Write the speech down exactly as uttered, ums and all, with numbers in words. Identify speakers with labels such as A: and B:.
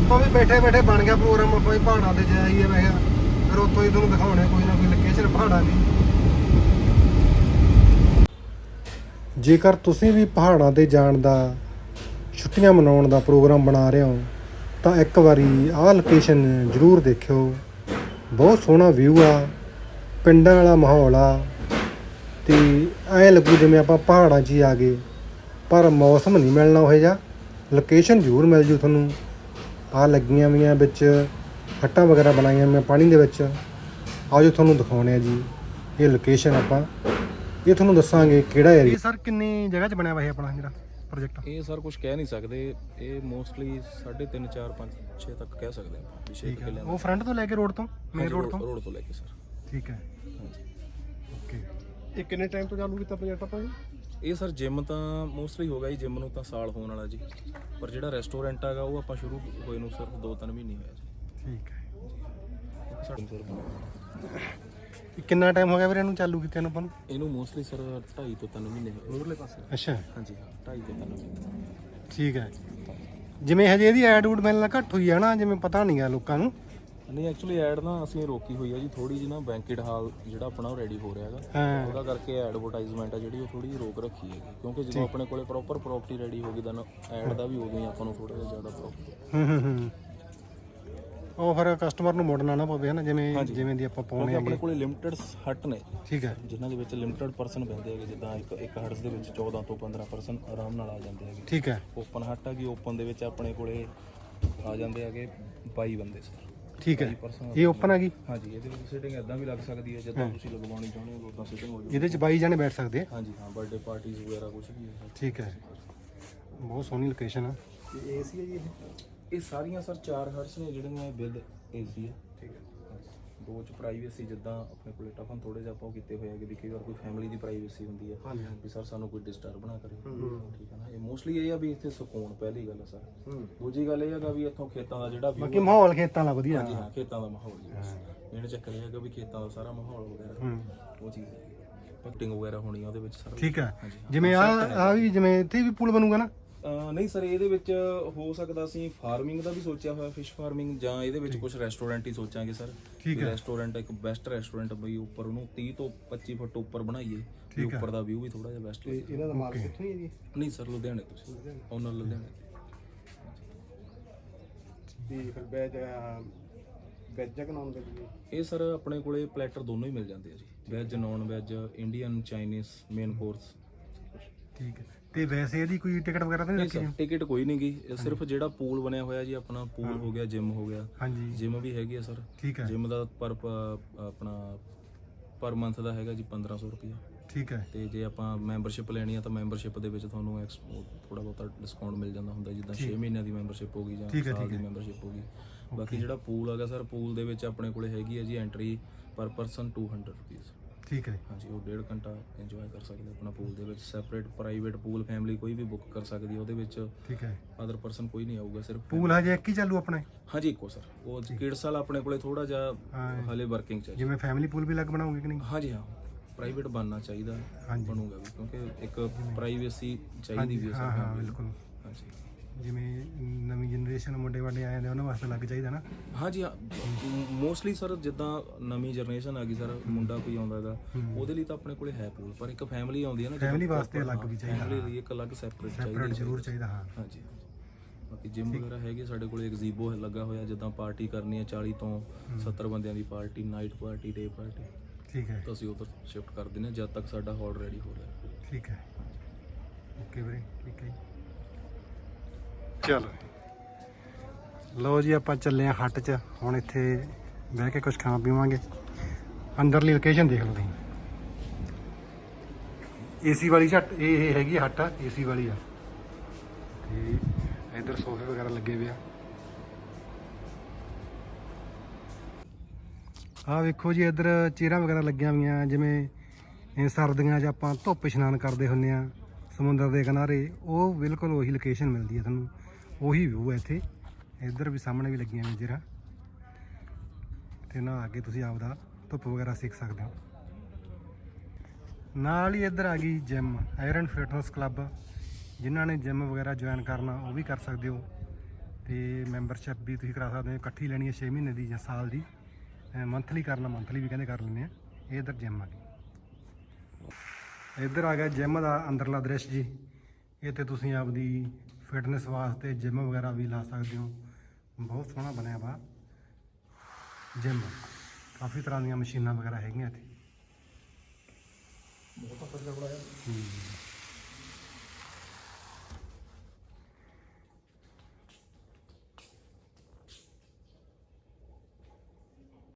A: ਆਪਾਂ ਵੀ ਬੈਠੇ ਬੈਠੇ ਬਣ ਗਿਆ ਪ੍ਰੋਗਰਾਮ, ਆਪਾਂ ਵੀ ਪਹਾੜਾਂ ਤੇ ਜਾਈਏ। ਮੈਂ ਕਿਹਾ ਫਿਰ ਉੱਥੋਂ ਹੀ ਤੁਹਾਨੂੰ ਦਿਖਾਉਣੇ ਕੋਈ ਨਾ ਕੋਈ ਲੋਕੇਸ਼ਨ ਪਹਾੜਾਂ ਦੀ। ਜੇਕਰ ਤੁਸੀਂ ਵੀ ਪਹਾੜਾਂ ਤੇ ਜਾਣ ਦਾ, ਛੁੱਟੀਆਂ ਮਨਾਉਣ ਦਾ ਪ੍ਰੋਗਰਾਮ ਬਣਾ ਰਹੇ ਹੋ ਤਾਂ ਇੱਕ ਵਾਰੀ ਆਹ ਲੋਕੇਸ਼ਨ ਜ਼ਰੂਰ ਦੇਖਿਓ। ਬਹੁਤ ਸੋਹਣਾ ਵਿਊ ਆ, ਪਿੰਡਾਂ ਵਾਲਾ ਮਾਹੌਲ ਆ ਅਤੇ ਐਂ ਲੱਗੂ ਜਿਵੇਂ ਆਪਾਂ ਪਹਾੜਾਂ 'ਚ ਹੀ ਆ ਗਏ, ਪਰ ਮੌਸਮ ਨਹੀਂ ਮਿਲਣਾ ਉਹੋ ਜਿਹਾ। ਲੋਕੇਸ਼ਨ ਜ਼ਰੂਰ ਮਿਲ ਜੂ ਤੁਹਾਨੂੰ। ਆਹ ਲੱਗੀਆਂ ਵੀਆਂ ਵਿੱਚ ਹੱਟਾਂ ਵਗੈਰਾ ਬਣਾਈਆਂ ਮੈਂ ਪਾਣੀ ਦੇ ਵਿੱਚ। ਆਜੋ ਤੁਹਾਨੂੰ ਦਿਖਾਉਂਦੇ ਆ ਜੀ ਇਹ ਲੋਕੇਸ਼ਨ। ਆਪਾਂ ਇਹ ਤੁਹਾਨੂੰ ਦੱਸਾਂਗੇ ਕਿਹੜਾ ਏਰੀਆ। ਸਰ ਕਿੰਨੀ ਜਗ੍ਹਾ 'ਚ ਬਣਿਆ ਵਾ ਇਹ ਆਪਣਾ ਜਿਹੜਾ ਪ੍ਰੋਜੈਕਟ?
B: ਇਹ ਸਰ ਕੁਝ ਕਹਿ ਨਹੀਂ ਸਕਦੇ, ਇਹ ਮੋਸਟਲੀ ਸਾਢੇ ਤਿੰਨ ਚਾਰ ਪੰਜ ਛੇ ਤੱਕ ਕਹਿ ਸਕਦੇ ਆਪਾਂ।
A: ਠੀਕ ਹੈ, ਉਹ ਫਰੰਟ ਤੋਂ ਲੈ ਕੇ ਰੋਡ ਤੋਂ, ਮੇਨ ਰੋਡ ਤੋਂ?
B: ਰੋਡ ਤੋਂ ਲੈ ਕੇ ਸਰ।
A: ਠੀਕ ਹੈ, ਓਕੇ।
C: ਇਹ ਕਿੰਨੇ ਟਾਈਮ ਤੋਂ ਚਾਲੂ ਕੀਤਾ ਪ੍ਰੋਜੈਕਟ ਆਪਾਂ ਜੀ?
B: ਇਹ ਸਰ ਜਿਮ ਤਾਂ ਮੋਸਟਲੀ ਹੋ ਗਿਆ ਜੀ, ਜਿਮ ਨੂੰ ਤਾਂ ਸਾਲ ਹੋਣ ਵਾਲਾ ਜੀ, ਪਰ ਜਿਹੜਾ ਰੈਸਟੋਰੈਂਟ ਹੈਗਾ ਉਹ ਆਪਾਂ ਸ਼ੁਰੂ ਹੋਏ ਨੂੰ ਸਿਰਫ ਦੋ ਤਿੰਨ ਮਹੀਨੇ ਹੋਇਆ ਜੀ।
A: ਠੀਕ ਹੈ।
B: ਸਾਡੇ ਸਰ
A: ਕਿੰਨਾ ਟਾਈਮ ਹੋ ਗਿਆ ਵੀਰੇ ਇਹਨੂੰ ਚਾਲੂ ਕੀਤੇ ਨੂੰ ਆਪਾਂ ਨੂੰ?
B: ਇਹਨੂੰ ਮੋਸਟਲੀ ਸਰ ਢਾਈ ਤੋਂ ਤਿੰਨ ਮਹੀਨੇ ਹੋਏ ਉਰਲੇ ਪਾਸੇ।
A: ਅੱਛਾ,
B: ਹਾਂਜੀ ਹਾਂ, ਢਾਈ ਤੋਂ ਤਿੰਨ ਮਹੀਨੇ।
A: ਠੀਕ ਹੈ। ਜਿਵੇਂ ਹਜੇ ਇਹਦੀ ਐਡ ਊਡ ਮਿਲਣਾ ਘੱਟ ਹੋਈ ਹੈ ਨਾ, ਜਿਵੇਂ ਪਤਾ ਨਹੀਂ ਗਾ ਲੋਕਾਂ ਨੂੰ।
B: ਨਹੀਂ ਐਕਚੁਅਲੀ ਐਡ ਨਾ ਅਸੀਂ ਰੋਕੀ ਹੋਈ ਹੈ ਜੀ ਥੋੜੀ ਜਿਹੀ ਨਾ, ਬੈਂਕਟ ਹਾਲ ਜਿਹੜਾ ਆਪਣਾ ਉਹ ਰੈਡੀ ਹੋ ਰਿਹਾ ਹੈਗਾ,
A: ਹਾਂ
B: ਉਹਦਾ ਕਰਕੇ ਐਡਵਰਟਾਈਜ਼ਮੈਂਟ ਆ ਜਿਹੜੀ ਉਹ ਥੋੜੀ ਜਿਹੀ ਰੋਕ ਰੱਖੀ ਹੈ, ਕਿਉਂਕਿ ਜਦੋਂ ਆਪਣੇ ਕੋਲੇ ਪ੍ਰੋਪਰ ਪ੍ਰੋਪਰਟੀ ਰੈਡੀ ਹੋ ਗਈ ਤਾਂ ਐਡ ਦਾ ਵੀ ਉਦੋਂ ਹੀ ਆਪਾਂ ਨੂੰ ਥੋੜਾ ਜਿਹਾ ਜ਼ਿਆਦਾ ਪ੍ਰੋਫਿਟ।
A: ਹੂੰ ਹੂੰ ਹੂੰ ਉਹ ਫਿਰ ਕਸਟਮਰ ਨੂੰ ਮੋੜਨਾ ਨਾ ਪਵੇ ਨਾ, ਜਿਵੇਂ ਜਿਵੇਂ ਦੀ ਆਪਾਂ ਪਾਉਣੇ
B: ਆਪਣੇ ਕੋਲੇ ਲਿਮਟਿਡ ਹੱਟ ਨੇ।
A: ਠੀਕ ਹੈ।
B: ਜਿਨ੍ਹਾਂ ਦੇ ਵਿੱਚ ਲਿਮਟਿਡ ਪਰਸਨ ਬਹਿੰਦੇ ਹੈਗੇ, ਜਿੱਦਾਂ ਇੱਕ ਇੱਕ ਹੱਟ ਦੇ ਵਿੱਚ ਚੌਦਾਂ ਤੋਂ ਪੰਦਰਾਂ ਪਰਸਨ ਆਰਾਮ ਨਾਲ ਆ ਜਾਂਦੇ ਹੈਗੇ।
A: ਠੀਕ ਹੈ।
B: ਓਪਨ ਹੱਟ ਹੈਗੀ, ਓਪਨ ਦੇ ਵਿੱਚ ਆਪਣੇ ਕੋਲੇ ਆ ਜਾਂਦੇ ਹੈਗੇ ਬਾਈ ਬੰਦੇ ਸਰ।
A: ਠੀਕ ਹੈ, ਇਹ ਓਪਨ ਹੈਗੀ?
B: ਹਾਂਜੀ, ਇਹਦੇ ਵਿੱਚ ਸਿਟਿੰਗ ਇਦਾਂ ਵੀ ਲੱਗ ਸਕਦੀ ਹੈ, ਜਿੱਦਾਂ ਤੁਸੀਂ ਲਗਵਾਉਣੀ ਚਾਹੁੰਦੇ ਹੋ ਉਦਾਂ ਸਿਟਿੰਗ ਹੋ ਜਾਊਗੀ।
A: ਇਹਦੇ 'ਚ ਬਾਈ ਜਾਣੇ ਬੈਠ ਸਕਦੇ ਆ?
B: ਹਾਂਜੀ ਹਾਂ, ਬਰਥਡੇ ਪਾਰਟੀਜ਼ ਵਗੈਰਾ ਕੁਝ ਵੀ ਹੈ।
A: ਠੀਕ ਹੈ, ਬਹੁਤ ਸੋਹਣੀ ਲੋਕੇਸ਼ਨ ਆ।
C: ਇਹ ਏਸੀ ਹੈ ਜੀ ਇਹ?
B: ਇਹ ਸਾਰੀਆਂ ਸਰ ਚਾਰ ਹਰਸ ਨੇ ਜਿਹੜੀਆਂ ਵਿਦ ਏਸੀ ਹੈ।
C: ਠੀਕ ਹੈ।
B: ਦੋ ਚ ਪ੍ਰਾਈਵੇਸੀ, ਜਿੱਦਾਂ ਆਪਣੇ ਕੋਲੇ ਟਫਨ ਥੋੜੇ ਜਿਹਾ ਆਪਾਂ ਉਹ ਕੀਤੇ ਹੋਏ ਹੈਗੇ ਵੀ ਕਈ ਵਾਰ ਕੋਈ ਫੈਮਿਲੀ ਦੀ ਪ੍ਰਾਈਵੇਸੀ ਹੁੰਦੀ ਹੈ ਵੀ ਸਰ ਸਾਨੂੰ ਕੋਈ ਡਿਸਟਰਬ ਨਾ ਕਰੇ। ਠੀਕ ਹੈ ਨਾ, ਇਹ ਮੋਸਟਲੀ ਇਹ ਆ ਵੀ ਇੱਥੇ ਸਕੂਨ ਪਹਿਲੀ ਗੱਲ ਹੈ ਸਰ। ਦੂਜੀ ਗੱਲ ਇਹ ਹੈਗਾ ਵੀ ਇੱਥੋਂ ਖੇਤਾਂ ਦਾ ਜਿਹੜਾ ਵੀ
A: ਬਾਕੀ ਮਾਹੌਲ ਖੇਤਾਂ ਦਾ ਵਧੀਆ।
B: ਹਾਂਜੀ ਹਾਂ, ਖੇਤਾਂ ਦਾ ਮਾਹੌਲ ਜੀ ਬਸ ਇਹਨੇ ਚੱਕਰ ਇਹ ਹੈਗਾ ਵੀ ਖੇਤਾਂ ਦਾ ਸਾਰਾ ਮਾਹੌਲ ਵਗੈਰਾ ਉਹ ਚੀਜ਼ ਹੈ। ਪੈਕਟਿੰਗ ਵਗੈਰਾ ਹੋਣੀ ਆ ਉਹਦੇ ਵਿੱਚ ਸਾਰਾ।
A: ਠੀਕ ਹੈ। ਜਿਵੇਂ ਆ ਆ ਵੀ ਜਿਵੇਂ ਇੱਥੇ ਵੀ ਪੂਲ ਬਣੂਗਾ ਨਾ?
B: ਨਹੀਂ ਸਰ, ਇਹਦੇ ਵਿੱਚ ਹੋ ਸਕਦਾ ਅਸੀਂ ਫਾਰਮਿੰਗ ਦਾ ਵੀ ਸੋਚਿਆ ਹੋਇਆ, ਫਿਸ਼ ਫਾਰਮਿੰਗ, ਜਾਂ ਇਹਦੇ ਵਿੱਚ ਕੁਝ ਰੈਸਟੋਰੈਂਟ ਹੀ ਸੋਚਾਂਗੇ ਸਰ।
A: ਠੀਕ ਹੈ।
B: ਰੈਸਟੋਰੈਂਟ ਇੱਕ ਬੈਸਟ ਰੈਸਟੋਰੈਂਟ ਬਈ ਉੱਪਰ ਉਹਨੂੰ ਤੀਹ ਤੋਂ ਪੱਚੀ ਫੁੱਟ ਉੱਪਰ ਬਣਾਈਏ ਤੇ ਉੱਪਰ ਦਾ ਵਿਊ ਵੀ ਥੋੜਾ ਜਿਹਾ ਬੈਸਟ।
C: ਤੇ ਇਹਨਾਂ ਦਾ ਮਾਰਕੀਟ ਕਿੱਥੋਂ ਹੀ ਹੈ ਜੀ?
B: ਨਹੀਂ ਸਰ, ਲੁਧਿਆਣੇ ਤੋਂ, ਓਨਰ ਲੁਧਿਆਣੇ।
C: ਤੇ ਫਿਰ ਵੈਜ ਵੈਜ ਜਾਂ ਨੌਨ ਵੈਜ? ਇਹ
B: ਸਰ ਆਪਣੇ ਕੋਲੇ ਪਲੈਟਰ ਦੋਨੋਂ ਹੀ ਮਿਲ ਜਾਂਦੇ ਆ ਜੀ, veg non veg, Indian, Chinese, main course.
A: ਠੀਕ ਹੈ। ਤੇ ਵੈਸੇ ਇਹਦੀ ਕੋਈ ਟਿਕਟ ਵਗੈਰਾ ਤਾਂ ਨਹੀਂ ਰੱਖੀ?
B: ਟਿਕਟ ਕੋਈ ਨਹੀਂ ਗੀ, ਸਿਰਫ ਜਿਹੜਾ ਪੂਲ ਬਣਿਆ ਹੋਇਆ ਜੀ ਆਪਣਾ, ਪੂਲ ਹੋ ਗਿਆ, ਜਿਮ ਹੋ ਗਿਆ।
A: ਹਾਂਜੀ,
B: ਜਿਮ ਵੀ ਹੈਗੀ ਆ ਸਰ।
A: ਠੀਕ ਹੈ।
B: ਜਿਮ ਦਾ ਪਰ ਆਪਣਾ ਪਰ ਮੰਥ ਦਾ ਹੈਗਾ ਜੀ ਪੰਦਰਾਂ ਸੌ ਰੁਪਇਆ।
A: ਠੀਕ ਹੈ।
B: ਤੇ ਜੇ ਆਪਾਂ ਮੈਂਬਰਸ਼ਿਪ ਲੈਣੀ ਆ ਤਾਂ ਮੈਂਬਰਸ਼ਿਪ ਦੇ ਵਿੱਚ ਤੁਹਾਨੂੰ ਥੋੜਾ ਬਹੁਤਾ ਡਿਸਕਾਊਂਟ ਮਿਲ ਜਾਂਦਾ ਹੁੰਦਾ, ਜਿੱਦਾਂ ਛੇ ਮਹੀਨਿਆਂ ਦੀ ਮੈਂਬਰਸ਼ਿਪ ਹੋ ਗਈ ਜਾਂ ਸਾਲ ਦੀ ਮੈਂਬਰਸ਼ਿਪ ਹੋ ਗਈ। ਬਾਕੀ ਜਿਹੜਾ ਪੂਲ ਹੈਗਾ ਸਰ, ਪੂਲ ਦੇ ਵਿੱਚ ਆਪਣੇ ਕੋਲੇ ਹੈਗੀ ਹੈ ਜੀ ਐਂਟਰੀ ਪਰ ਪਰਸਨ ਟੂ ਹੰਡਰਡ ਰੁਪੀਜ਼।
A: ਠੀਕ ਹੈ।
B: ਹਾਂਜੀ, ਉਹ ਡੇਢ ਘੰਟਾ ਇੰਜੋਏ ਕਰ ਸਕਦੇ ਆਪਣਾ ਪੂਲ ਦੇ ਵਿੱਚ। ਸੈਪਰੇਟ ਪ੍ਰਾਈਵੇਟ ਪੂਲ ਫੈਮਿਲੀ ਕੋਈ ਵੀ ਬੁੱਕ ਕਰ ਸਕਦੀ ਹੈ ਉਹਦੇ ਵਿੱਚ।
A: ਠੀਕ ਹੈ।
B: ਅਦਰ ਪਰਸਨ ਕੋਈ ਨਹੀਂ ਆਊਗਾ, ਸਿਰਫ
A: ਪੂਲ ਹਜੇ ਇੱਕ ਹੀ ਚਾਲੂ ਆਪਣਾ?
B: ਹਾਂਜੀ, ਇੱਕੋ ਸਰ। ਉਹ ਕਿਡਸ ਵਾਲਾ ਆਪਣੇ ਕੋਲੇ ਥੋੜਾ ਜਿਹਾ ਹਾਲੇ ਵਰਕਿੰਗ ਚ।
A: ਜਿਵੇਂ ਫੈਮਿਲੀ ਪੂਲ ਵੀ ਲੱਗ ਬਣਾਉਂਗੇ ਕਿ ਨਹੀਂ?
B: ਹਾਂਜੀ ਹਾਂ, ਪ੍ਰਾਈਵੇਟ ਬਣਨਾ ਚਾਹੀਦਾ, ਬਣੂਗਾ ਵੀ, ਕਿਉਂਕਿ ਇੱਕ ਪ੍ਰਾਈਵੇਸੀ ਚਾਹੀਦੀ ਵੀ ਹੈ ਸਰ।
A: ਹਾਂ ਬਿਲਕੁਲ।
B: ਹਾਂਜੀ,
A: ਜਿਵੇਂ ਨਵੀਂ ਜਨਰੇਸ਼ਨ ਮੁੰਡੇ ਵਾਡੇ ਆਏ ਨੇ ਉਹਨਾਂ ਵਾਸਤੇ ਲੱਗ ਚਾਹੀਦਾ ਨਾ?
B: ਹਾਂਜੀ ਹਾਂ, ਮੋਸਟਲੀ ਸਰ ਜਿੱਦਾਂ ਨਵੀਂ ਜਨਰੇਸ਼ਨ ਆ ਗਈ ਸਰ, ਮੁੰਡਾ ਕੋਈ ਆਉਂਦਾ ਹੈਗਾ ਉਹਦੇ ਲਈ ਤਾਂ ਆਪਣੇ ਕੋਲੇ ਹੈ ਪੂਲ, ਪਰ ਇੱਕ ਫੈਮਿਲੀ ਆਉਂਦੀ ਹੈ ਨਾ,
A: ਫੈਮਿਲੀ ਵਾਸਤੇ ਅਲੱਗ ਵੀ ਚਾਹੀਦਾ।
B: ਫੈਮਿਲੀ ਲਈ ਇੱਕ ਅਲੱਗ ਸੈਪਰੇਟ
A: ਸੈਪਰੇਟ ਜ਼ਰੂਰ ਚਾਹੀਦਾ। ਹਾਂ
B: ਹਾਂਜੀ। ਬਾਕੀ ਜਿਮ ਵਗੈਰਾ ਹੈਗੀ ਸਾਡੇ ਕੋਲੇ, ਐਗਜ਼ੀਬੋ ਲੱਗਾ ਹੋਇਆ, ਜਿੱਦਾਂ ਪਾਰਟੀ ਕਰਨੀ ਹੈ ਚਾਲੀ ਤੋਂ ਸੱਤਰ ਬੰਦਿਆਂ ਦੀ party, night party, day party.
A: ਠੀਕ ਹੈ।
B: ਤਾਂ ਅਸੀਂ ਉੱਧਰ ਸ਼ਿਫਟ ਕਰ ਦਿੰਦੇ ਹਾਂ ਜਦ ਤੱਕ ਸਾਡਾ ਹਾਲ ਰੈਡੀ ਹੋ ਰਿਹਾ।
A: ਠੀਕ ਹੈ, ਓਕੇ ਵੀਰੇ, ਠੀਕ ਹੈ। ਚਲੋ ਲਓ ਜੀ, ਆਪਾਂ ਚੱਲੇ ਹਾਂ ਹੱਟ 'ਚ ਹੁਣ। ਇੱਥੇ ਬਹਿ ਕੇ ਕੁਝ ਖਾਂ ਪੀਵਾਂਗੇ। ਅੰਦਰਲੀ ਲੋਕੇਸ਼ਨ ਦੇਖ ਲਓ ਤੁਸੀਂ, ਏਸੀ ਵਾਲੀ ਹੱਟ ਇਹ ਹੈਗੀ ਹੱਟ, ਏਸੀ ਵਾਲੀ ਆ। ਤੇ ਇੱਧਰ ਸੋਫੇ ਵਗੈਰਾ ਲੱਗੇ ਹੋਏ ਆ। ਆਹ ਵੇਖੋ ਜੀ, ਇੱਧਰ ਚੇਅਰਾਂ ਵਗੈਰਾ ਲੱਗੀਆਂ ਹੋਈਆਂ, ਜਿਵੇਂ ਸਰਦੀਆਂ 'ਚ ਆਪਾਂ ਧੁੱਪ ਇਸ਼ਨਾਨ ਕਰਦੇ ਹੁੰਦੇ ਆ ਸਮੁੰਦਰ ਦੇ ਕਿਨਾਰੇ, ਉਹ ਬਿਲਕੁਲ ਉਹੀ ਲੋਕੇਸ਼ਨ ਮਿਲਦੀ ਹੈ ਤੁਹਾਨੂੰ, ਉਹੀ ਵਿਊ ਹੈ ਇੱਥੇ। ਇੱਧਰ ਵੀ ਸਾਹਮਣੇ ਵੀ ਲੱਗੀਆਂ ਹੋਈਆਂ ਚੇਅਰਾਂ, ਤੇ ਨਹਾ ਕੇ ਤੁਸੀਂ ਆਪਦਾ ਧੁੱਪ ਵਗੈਰਾ ਸਿੱਖ ਸਕਦੇ ਹੋ। ਨਾਲ ਹੀ ਇੱਧਰ ਆ ਗਈ ਜਿਮ, ਆਇਰਨ ਫਿਟਨੈਸ ਕਲੱਬ। ਜਿਨ੍ਹਾਂ ਨੇ ਜਿਮ ਵਗੈਰਾ ਜੁਆਇਨ ਕਰਨਾ ਉਹ ਵੀ ਕਰ ਸਕਦੇ ਹੋ। ਤੇ ਮੈਂਬਰਸ਼ਿਪ ਵੀ ਤੁਸੀਂ ਕਰਾ ਸਕਦੇ ਹੋ, ਇਕੱਠੀ ਲੈਣੀ ਹੈ ਛੇ ਮਹੀਨੇ ਦੀ ਜਾਂ ਸਾਲ ਦੀ, ਮੰਥਲੀ ਕਰਨਾ ਮੰਥਲੀ ਵੀ ਕਹਿੰਦੇ ਕਰ ਲੈਂਦੇ ਆ। ਇਹ ਇੱਧਰ ਜਿਮ ਆ ਗਈ, ਇੱਧਰ ਆ ਗਿਆ ਜਿਮ ਦਾ ਅੰਦਰਲਾ ਦ੍ਰਿਸ਼ ਜੀ। ਇਹ ਤੇ ਤੁਸੀਂ ਆਪਦੀ ਫਿਟਨੈਸ ਵਾਸਤੇ ਜਿਮ ਵਗੈਰਾ ਵੀ ਲਾ ਸਕਦੇ ਹੋ। ਬਹੁਤ ਸੋਹਣਾ ਬਣਿਆ ਵਾ ਜਿਮ, ਕਾਫੀ ਤਰ੍ਹਾਂ ਦੀਆਂ ਮਸ਼ੀਨਾਂ ਵਗੈਰਾ ਹੈਗੀਆਂ ਇੱਥੇ।
B: ਬਹੁਤ ਅੱਛਾ ਬਣਾਇਆ।
A: ਹੂੰ